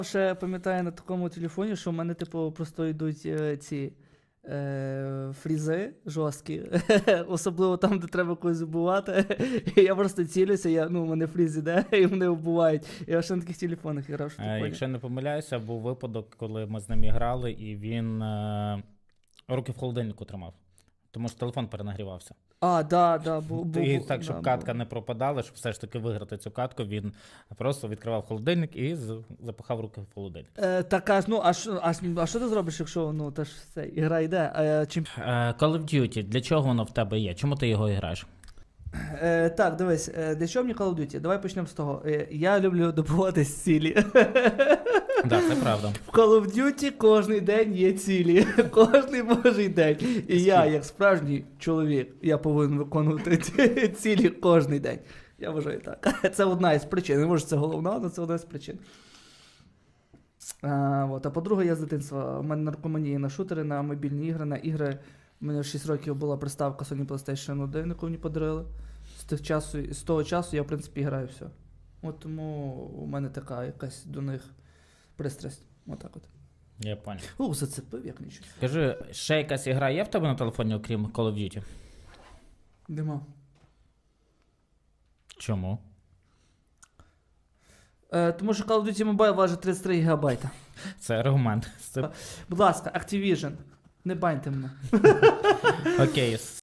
ще пам'ятаю на такому телефоні, що в мене, типу, просто йдуть ці фрізи жорсткі, особливо там, де треба когось вбивати. І я просто цілюся, у мене фріз іде, і мене вбивають. Я ще на таких телефонах грав, що Якщо не помиляюся, був випадок, коли ми з ним грали, і він руки в холодильнику тримав. Тому що телефон перенагрівався. Був. І так, щоб катка не пропадала, щоб все ж таки виграти цю катку, він просто відкривав холодильник і запихав руки в холодильник. А що ти зробиш, якщо теж все, ігра йде? Call of Duty, для чого воно в тебе є? Чому ти його граєш? Так, дивись, для чого мені Call of Duty? Давай почнемо з того. Я люблю добувати цілі. Так, це правда. В Call of Duty кожний день є цілі. Кожний божий день. І я, як справжній чоловік, я повинен виконувати ці цілі кожний день. Я вважаю так. Це одна із причин. Не може це головна, але це одна з причин. А по-друге, я з дитинства. У мене наркоманія на шутери, на мобільні ігри, на ігри. У мене в 6 років була приставка Sony PlayStation 1, яку мені подарили. З того часу я, в принципі, граю все. Тому у мене така якась до них пристрасть. Отак от. Я понял. Зацепив, як нічого. Кажи, ще якась ігра є в тебе на телефоні, окрім Call of Duty? Нема. Чому? Тому що Call of Duty Mobile важить 33 гігабайта. Це аргумент. Будь ласка, Activision, не баньте мене. Окей.